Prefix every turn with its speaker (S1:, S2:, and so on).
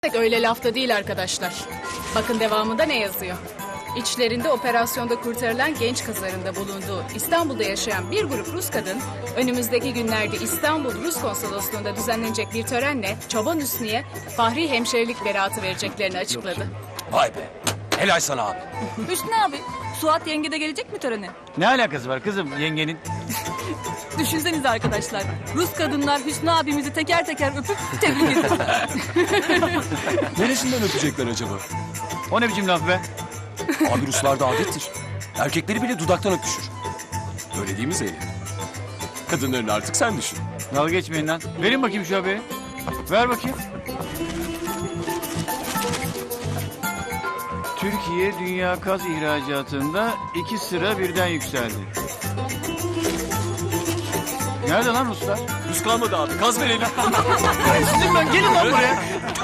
S1: Öyle lafta değil arkadaşlar. Bakın devamında ne yazıyor. İçlerinde operasyonda kurtarılan genç kızların da bulunduğu İstanbul'da yaşayan bir grup Rus kadın, önümüzdeki günlerde İstanbul Rus Konsolosluğu'nda düzenlenecek bir törenle Çoban Hüsnü'ye fahri hemşirelik beratı vereceklerini açıkladı.
S2: Vay be. Helal sana abi.
S3: Hüsnü abi, Suat yenge de gelecek mi törene?
S4: Ne alakası var kızım yengenin?
S3: Düşünsenize arkadaşlar, Rus kadınlar Hüsnü abimizi teker teker öpüp tebrik ediyorlar.
S2: Neresinden öpecekler acaba?
S4: O ne biçim laf be?
S2: Abi Ruslarda adettir. Erkekleri bile dudaktan öpüşür. Öyle değil mi Zeynep? Kadınların artık sen düşün.
S4: Dalga geçmeyin lan. Verin bakayım şu haberi. Ver bakayım. Türkiye dünya gaz ihracatında 2 sıra birden yükseldi. Nerede lan Ruslar?
S2: Rus kalmadı abi. Gaz verelim.
S4: Sizin ben gelin lan buraya.